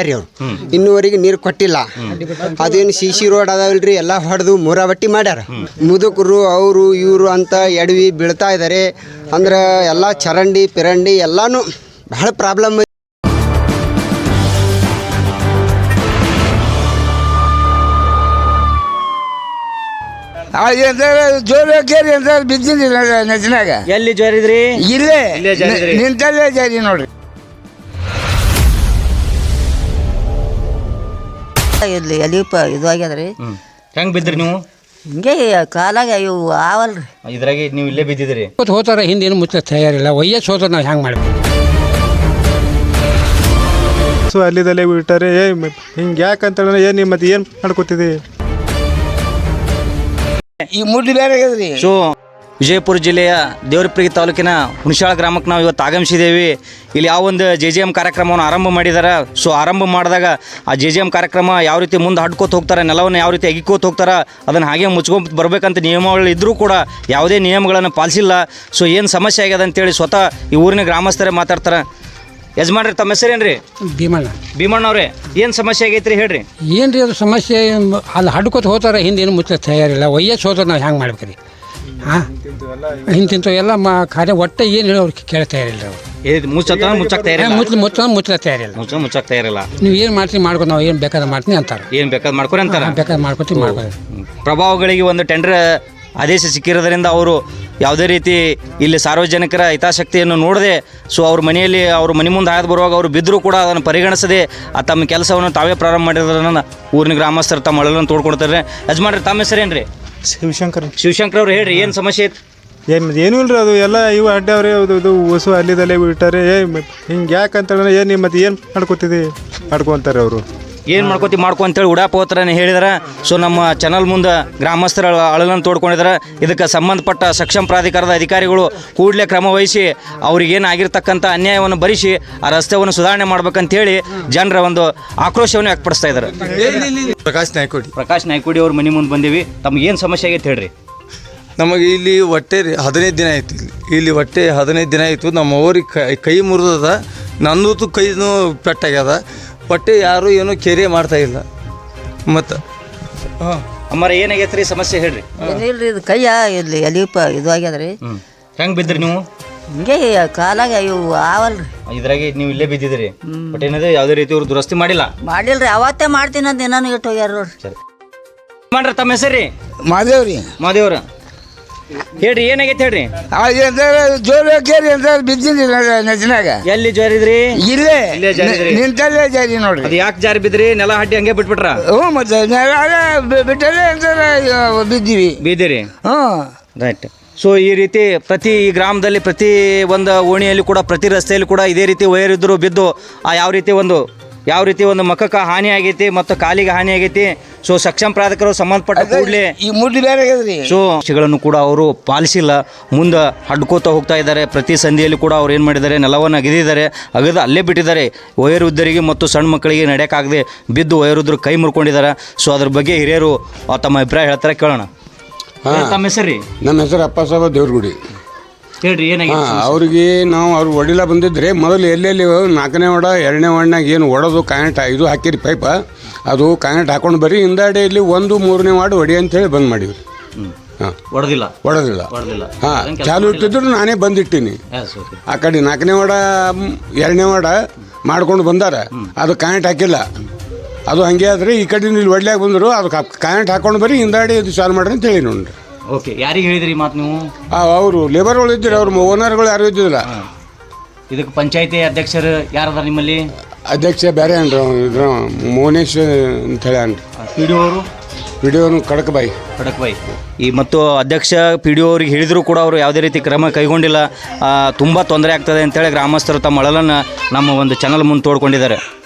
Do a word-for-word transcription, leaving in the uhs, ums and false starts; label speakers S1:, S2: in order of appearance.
S1: ಮಾಡ್ಯಾರಿ ಅವ್ರು, ಇನ್ನೂವರೆಗೆ ನೀರು ಕೊಟ್ಟಿಲ್ಲ. ಅದೇನು ಸಿ ಸಿ ರೋಡ್ ಅದಾವಲ್ರಿ ಎಲ್ಲ ಹೊಡೆದು ಮೂರಾಬಟ್ಟಿ ಮಾಡ್ಯಾರ. ಮುದುಕರು ಅವರು ಇವರು ಅಂತ ಎಡವಿ ಬೀಳ್ತಾ ಇದ್ದಾರೆ. ಅಂದ್ರೆ ಎಲ್ಲ ಚರಂಡಿ ಪಿರಂಡಿ ಎಲ್ಲಾನು ಬಹಳ ಪ್ರಾಬ್ಲಮ್.
S2: ಜೋರ ಕೇರಿ ಅಂತ ಬಿದ್ದಿದ್ರಿ ನಜನಾಗ.
S3: ಎಲ್ಲಿ ಜೋರಿದ್ರಿ?
S2: ಇಲ್ಲೇ ನಿಂತಲ್ಲೇ ಜಾರಿ ನೋಡ್ರಿ.
S4: ಇಲ್ಲಿ ಎಲಿಪ ಇದು ಆಗ್ಯದ್ರಿ.
S3: ಹೆಂಗ್ ಬಿದ್ರಿ ನೀವು?
S4: ಹಿಂಗೆ ಕಾಲಾಗ ಇವು ಆವಲ್ರಿ,
S3: ಇದ್ರಾಗೆ ನೀವು ಇಲ್ಲೇ ಬಿದ್ದಿದ್ರಿ.
S5: ಹೋತಾರ ಹಿಂದೇನು ಮುಚ್ಚ ತಯಾರಿಲ್ಲ. ವಯಸ್ಸು ಹೋದ್ರೆ ನಾವು ಹೆಂಗೆ ಮಾಡ್ಬೇಕು?
S6: ಸೊ ಅಲ್ಲಿದಲ್ಲೇ ಬಿಟ್ಟಾರೆ. ಏ ಹಿಂಗೆ ಯಾಕಂತ ಏನು ಮತ್ತೆ ಏನು ಮಾಡ್ಕೊತಿದ್ದಿ?
S2: ಈ ಮುಡ್ಡಿ ಬೇರೆ ಆಗ್ಯದ್ರಿ.
S3: ಸೊ ವಿಜಯಪುರ ಜಿಲ್ಲೆಯ ದೇವರಪುರಿ ತಾಲೂಕಿನ ಹುಣಸಾಳ ಗ್ರಾಮಕ್ಕೆ ನಾವು ಇವತ್ತು ಆಗಮಿಸಿದ್ದೇವೆ. ಇಲ್ಲಿ ಯಾವ ಒಂದು ಜೆ ಜೆ ಎಮ್ ಕಾರ್ಯಕ್ರಮವನ್ನು ಆರಂಭ ಮಾಡಿದ್ದಾರೆ. ಸೊ ಆರಂಭ ಮಾಡಿದಾಗ ಆ ಜೆ ಜೆ ಎಮ್ ಕಾರ್ಯಕ್ರಮ ಯಾವ ರೀತಿ ಮುಂದೆ ಹಡ್ಕೋತ ಹೋಗ್ತಾರೆ, ನೆಲವನ್ನು ಯಾವ ರೀತಿ ಅಗಿಕೋತ ಹೋಗ್ತಾರೆ, ಅದನ್ನು ಹಾಗೆ ಮುಚ್ಕೊಂಡು ಬರಬೇಕಂತ ನಿಯಮಗಳು ಇದ್ದರೂ ಕೂಡ ಯಾವುದೇ ನಿಯಮಗಳನ್ನು ಪಾಲಿಸಿಲ್ಲ. ಸೊ ಏನು ಸಮಸ್ಯೆ ಆಗ್ಯದ ಅಂತೇಳಿ ಸ್ವತಃ ಈ ಊರಿನ ಗ್ರಾಮಸ್ಥರೇ ಮಾತಾಡ್ತಾರೆ. ಯಜಮಾನ್ರಿ, ತಮ್ಮ ಹೆಸರೇನು ರೀ?
S5: ಭೀಮಣ್ಣ.
S3: ಭೀಮಣ್ಣವ್ರೆ, ಏನು ಸಮಸ್ಯೆ ಆಗೈತ್ರಿ ಹೇಳ್ರಿ?
S5: ಏನು ರೀ ಅದು ಸಮಸ್ಯೆ? ಅಲ್ಲಿ ಹಡ್ಕೋತ ಹೋತಾರ ಹಿಂದೇನು ಮುಚ್ಚ ತಯಾರಿಲ್ಲ. ವಯಸ್ಸು ಹೋದ್ರೆ ನಾವು ಹೆಂಗೆ ಮಾಡ್ಬೇಕು ರೀ? ಹಾಂ, ಹಿಂತಿಂತ ಎಲ್ಲ ಮಾ ಕಾರ್ಯ ಒಟ್ಟೆ ಏನು ಹೇಳಿ ಅವ್ರಿಗೆ ಕೇಳ ತಯಾರಿಲ್ಲ. ಅವ್ರು
S3: ಮುಚ್ಚತ್ತ ಮುಚ್ಚಕ್ಕೆ ತಯಾರಿಲ್ಲ.
S5: ಮುಚ್ಚ ಮುಚ್ಚ ಮುಚ್ಚ ತಯಾರಿಲ್ಲ.
S3: ಮುಚ್ಚ ಮುಚ್ಚಕ್ಕೆ ತಯಾರಿಲ್ಲ.
S5: ನೀವು ಏನು ಮಾಡ್ತೀವಿ ಮಾಡ್ಕೊಂಡು ನಾವು ಏನು ಬೇಕಾದ್ರೆ ಮಾಡ್ತೀನಿ ಅಂತಾರೆ.
S3: ಏನು ಬೇಕಾದ್ರೆ ಮಾಡ್ಕೊರಿ ಅಂತಾರೆ.
S5: ಬೇಕಾದ್ರೆ ಮಾಡ್ಕೊತೀವಿ ಮಾಡ್ಕೊರಿ.
S3: ಪ್ರಭಾವಗಳಿಗೆ ಒಂದು ಟೆಂಡರ್ ಆದೇಶ ಸಿಕ್ಕಿರೋದ್ರಿಂದ ಅವರು ಯಾವುದೇ ರೀತಿ ಇಲ್ಲಿ ಸಾರ್ವಜನಿಕರ ಹಿತಾಸಕ್ತಿಯನ್ನು ನೋಡದೆ, ಸೊ ಅವ್ರ ಮನೆಯಲ್ಲಿ ಅವ್ರ ಮನೆ ಮುಂದೆ ಹಾಯ್ದು ಬರುವಾಗ ಅವರು ಬಿದ್ದರೂ ಕೂಡ ಅದನ್ನು ಪರಿಗಣಿಸದೆ ಆ ತಮ್ಮ ಕೆಲಸವನ್ನು ತಾವೇ ಪ್ರಾರಂಭ ಮಾಡಿರೋದನ್ನ ಊರಿನ ಗ್ರಾಮಸ್ಥರು ತಮ್ಮ ಅಳಲನ್ನು ತೋಡ್ಕೊಡ್ತಾರೆ. ಯಜಮಾನ್ರಿ, ತಮ್ಮ ಹೆಸರೇನು ರೀ?
S6: ಶಿವಶಂಕರ್.
S3: ಶಿವಶಂಕರ್ ಅವ್ರು ಹೇಳ್ರಿ, ಏನು ಸಮಸ್ಯೆ ಐತೆ?
S6: ಏನು ಏನೂ ಇಲ್ರಿ, ಅದು ಎಲ್ಲ ಇವು ಅಡ್ಡವ್ರಿ. ಅದು ಇದು ಹೊಸು ಅಲ್ಲಿದಲ್ಲೇ ಬಿಟ್ಟಾರೆ. ಏ ಹಿಂಗೆ ಯಾಕಂತ ಏನು ಮತ್ತೆ ಏನು ಮಾಡ್ಕೊತಿದ್ದಿ ಮಾಡ್ಕೊತಾರೆ ಅವರು.
S3: ಏನು ಮಾಡ್ಕೋತಿ ಮಾಡ್ಕೊ ಅಂತೇಳಿ ಉಡಾಪ ಹೋಗ್ತಾರನೇ ಹೇಳಿದಾರೆ. ಸೊ ನಮ್ಮ ಚಾನಲ್ ಮುಂದೆ ಗ್ರಾಮಸ್ಥರ ಅಳಲನ್ನು ತೋಡ್ಕೊಂಡಿದ್ದಾರೆ. ಇದಕ್ಕೆ ಸಂಬಂಧಪಟ್ಟ ಸಕ್ಷಮ ಪ್ರಾಧಿಕಾರದ ಅಧಿಕಾರಿಗಳು ಕೂಡಲೇ ಕ್ರಮ ವಹಿಸಿ ಅವ್ರಿಗೇನು ಆಗಿರ್ತಕ್ಕಂಥ ಅನ್ಯಾಯವನ್ನು ಭರಿಸಿ ಆ ರಸ್ತೆಯನ್ನು ಸುಧಾರಣೆ ಮಾಡ್ಬೇಕಂತೇಳಿ ಜನರ ಒಂದು ಆಕ್ರೋಶವನ್ನು ವ್ಯಕ್ತಪಡಿಸ್ತಾ ಇದ್ದಾರೆ.
S7: ಪ್ರಕಾಶ್ ನಾಯ್ಕೋಡಿ.
S3: ಪ್ರಕಾಶ್ ನಾಯ್ಕೋಡಿ ಅವ್ರ ಮನೆ ಮುಂದೆ ಬಂದೀವಿ. ತಮ್ಗೆ ಏನು ಸಮಸ್ಯೆ ಆಗೈತೆ ಹೇಳ್ರಿ?
S7: ನಮಗೆ ಇಲ್ಲಿ ಹೊಟ್ಟೆ ಹದಿನೈದು ದಿನ ಆಯ್ತು. ಇಲ್ಲಿ ಇಲ್ಲಿ ಹೊಟ್ಟೆ ಹದಿನೈದು ದಿನ ಆಯಿತು. ನಮ್ಮ ಊರಿಗೆ ಕೈ ಕೈ ಮುರಿದದ, ನನ್ನದು ಕೈನೂ ಪೆಟ್ಟಾಗ್ಯದ. ಹೊಟ್ಟೆ ಯಾರು ಏನೂ ಕೇರೆ ಮಾಡ್ತಾ ಇಲ್ಲ. ಮತ್ತು ಹಾಂ
S3: ಅಮ್ಮರ ಏನಾಗೈತೆ ರೀ ಸಮಸ್ಯೆ ಹೇಳ್ರಿ?
S4: ಏನಿಲ್ರಿ, ಇದು ಕೈಯ ಇಲ್ಲಿ ಎಲಿಪ ಇದು ಆಗ್ಯದ್ರಿ.
S3: ಹ್ಞೂ ಹೆಂಗೆ ಬಿದ್ರಿ ನೀವು?
S4: ಹಿಂಗೆ ಕಾಲಾಗ ಇವು ಆವಲ್ರಿ.
S3: ಇದ್ರಾಗೆ ನೀವು ಇಲ್ಲೇ ಬಿದ್ದಿದ್ರಿ. ಬಟ್ ಏನಂದ್ರೆ ಯಾವುದೇ ರೀತಿ ಅವ್ರು ದುರಸ್ತಿ ಮಾಡಿಲ್ಲ.
S4: ಮಾಡಿಲ್ರಿ, ಅವತ್ತೇ ಮಾಡ್ತೀನಿ ಅಂತ ಏನಾನು ಇಟ್ಟು ಹೋಗ್ಯಾರ ನೋಡ್ರಿ.
S3: ಸರಿ ಮಾಡ್ರಿ, ತಮ್ಮ ಹೆಸರು ರೀ?
S2: ಮಾದೇವ್ರಿ.
S3: ಮಾದೇವ್ರ, ಹೇಳ್ರಿ ಏನಾಗೈತೆ ಹೇಳ್ರಿ?
S2: ಜೋರ ಕೇರಿ ಅಂತ ಬಿದ್ದಿದ್ರಿ ನಜನಾಗ.
S3: ಎಲ್ಲಿ ಜಾರಿದ್ರಿ?
S2: ಇಲ್ಲೇ ನಿಂತಲ್ಲೇ ಜಾರಿ ನೋಡ್ರಿ.
S3: ಅದು ಯಾಕೆ ಜಾರಿ ಬಿದ್ರಿ? ನೆಲ ಹಡ್ಡಿ ಹಂಗೆ ಬಿಟ್ಬಿಟ್ರ?
S2: ಹ್ಞೂ, ಮತ್ತೆ ಬಿಟ್ಟಲ್ಲೇ ಅಂತಾರೆ ಬಿದ್ದೀವಿ.
S3: ಬಿದ್ದೀರಿ?
S2: ಹ್ಞೂ,
S3: ರೈಟ್. ಸೊ ಈ ರೀತಿ ಪ್ರತಿ ಈ ಗ್ರಾಮದಲ್ಲಿ ಪ್ರತಿ ಒಂದು ಓಣಿಯಲ್ಲಿ ಕೂಡ ಪ್ರತಿ ರಸ್ತೆಯಲ್ಲಿ ಕೂಡ ಇದೇ ರೀತಿ ವೈರ್ ಇದ್ದರು ಬಿದ್ದು ಆ ಯಾವ ರೀತಿ ಒಂದು ಯಾವ ರೀತಿ ಒಂದು ಮಖಕ್ಕೆ ಹಾನಿ ಆಗೈತಿ ಮತ್ತು ಕಾಲಿಗೆ ಹಾನಿ ಆಗೈತಿ. ಸೊ ಸಕ್ಷಮ ಪ್ರಾಧಿಕಾರರು ಸಂಬಂಧಪಟ್ಟ ಕೂಡಲೇ
S2: ಈ ಮುಡ್ಡಿ ಬೇರೆ ಆಗ್ಯದ್ರಿ.
S3: ಸೊ ಗಳನ್ನು ಕೂಡ ಅವರು ಪಾಲಿಸಿಲ್ಲ, ಮುಂದೆ ಹಡ್ಕೋತಾ ಹೋಗ್ತಾ ಇದ್ದಾರೆ. ಪ್ರತಿ ಸಂಧಿಯಲ್ಲಿ ಕೂಡ ಅವ್ರು ಏನು ಮಾಡಿದ್ದಾರೆ, ನೆಲವನ್ನು ಅಗೆದಿದ್ದಾರೆ, ಅಗದು ಅಲ್ಲೇ ಬಿಟ್ಟಿದ್ದಾರೆ. ವಯೋವೃದ್ಧರಿಗೆ ಮತ್ತು ಸಣ್ಣ ಮಕ್ಕಳಿಗೆ ನಡೆಯೋಕ್ಕಾಗದೆ ಬಿದ್ದು ವಯೋವೃದ್ಧರು ಕೈ ಮುರ್ಕೊಂಡಿದ್ದಾರೆ. ಸೊ ಅದ್ರ ಬಗ್ಗೆ ಹಿರಿಯರು ತಮ್ಮ ಅಭಿಪ್ರಾಯ ಹೇಳ್ತಾರೆ, ಕೇಳೋಣ. ತಮ್ಮ ಹೆಸರು ರೀ?
S8: ನಮ್ಮ ಹೆಸರು ಅಪ್ಪ ಸಾಬ ದೇವ್ರಗುಡಿ.
S3: ಹೇಳ್ರಿ ಏನಾಗಿದೆ?
S8: ಅವ್ರಿಗೆ ನಾವು ಅವ್ರು ಒಡಿಲ ಬಂದಿದ್ರೆ ಮೊದಲು ಎಲ್ಲೆಲ್ಲಿ ನಾಲ್ಕನೇ ವಾರ್ಡ ಎರಡನೇ ವಾರ್ಡ್ನಾಗ ಏನು ಒಡೋದು ಕಾಯಂಟ್ ಇದು ಹಾಕಿರಿ ಪೈಪ, ಅದು ಕಾಯಂಟ್ ಹಾಕೊಂಡು ಬರೀ ಹಿಂದಾಡಿಯಲ್ಲಿ ಒಂದು ಮೂರನೇ ವಾರ್ಡ್ ಹೊಡಿ ಅಂತೇಳಿ ಬಂದ್ ಮಾಡಿವ್ರಿ. ಹಾಂ,
S3: ಹೊಡೆದಿಲ್ಲ
S8: ಹೊಡೆದಿಲ್ಲ. ಹಾಂ, ಚಾಲು ಇಟ್ಟಿದ್ರು ನಾನೇ ಬಂದಿಟ್ಟಿನಿ. ಆ ಕಡೆ ನಾಲ್ಕನೇ ವಾರ್ಡ ಎರಡನೇ ವಾರ್ಡ ಮಾಡ್ಕೊಂಡು ಬಂದಾರ, ಅದು ಕಾಯಂಟ್ ಹಾಕಿಲ್ಲ. ಅದು ಹಂಗೆ ಆದ್ರೆ ಈ ಕಡೆ ಇಲ್ಲಿ ಒಡ್ಲ್ಯಾಗ ಬಂದರು, ಅದು ಕಾಯಂಟ್ ಹಾಕೊಂಡು ಬರೀ ಹಿಂದಾಡಿ ಇದು ಚಾಲು ಮಾಡ್ರಿ ಅಂತ ಹೇಳಿ ನೋಡ್ರಿ.
S3: ಓಕೆ, ಯಾರಿಗೆ ಹೇಳಿದ್ರಿ ಮಾತು ನೀವು?
S8: ಅವರು ಲೇಬರ್ಗಳು ಇದ್ದಿರಿ, ಅವ್ರ ಓನರ್ಗಳು ಯಾರು ಇದ್ದಿಲ್ಲ.
S3: ಇದಕ್ಕೆ ಪಂಚಾಯತಿ ಅಧ್ಯಕ್ಷರು ಯಾರದ ನಿಮ್ಮಲ್ಲಿ?
S8: ಅಧ್ಯಕ್ಷ ಬೇರೆ ಅನ್ರಿ, ಇದ್ರ ಮೋನೇಶ್ ಅಂತ ಹೇಳಿ ಅನ್ರಿ.
S3: ಪಿ ಡಿ ಅವರು?
S8: ಪಿ ಡಿ ಅವರು ಖಡಕ್ಬಾಯಿ.
S3: ಖಡಕ್ಬಾಯಿ ಈ ಮತ್ತು ಅಧ್ಯಕ್ಷ ಪಿ ಡಿ ಅವ್ರಿಗೆ ಹೇಳಿದರೂ ಕೂಡ ಅವರು ಯಾವುದೇ ರೀತಿ ಕ್ರಮ ಕೈಗೊಂಡಿಲ್ಲ. ತುಂಬ ತೊಂದರೆ ಆಗ್ತದೆ ಅಂತೇಳಿ ಗ್ರಾಮಸ್ಥರು ತಮ್ಮ ಅಳಲನ್ನು ನಮ್ಮ ಒಂದು ಚಾನಲ್ ಮುಂದೆ ತೋಡ್ಕೊಂಡಿದ್ದಾರೆ.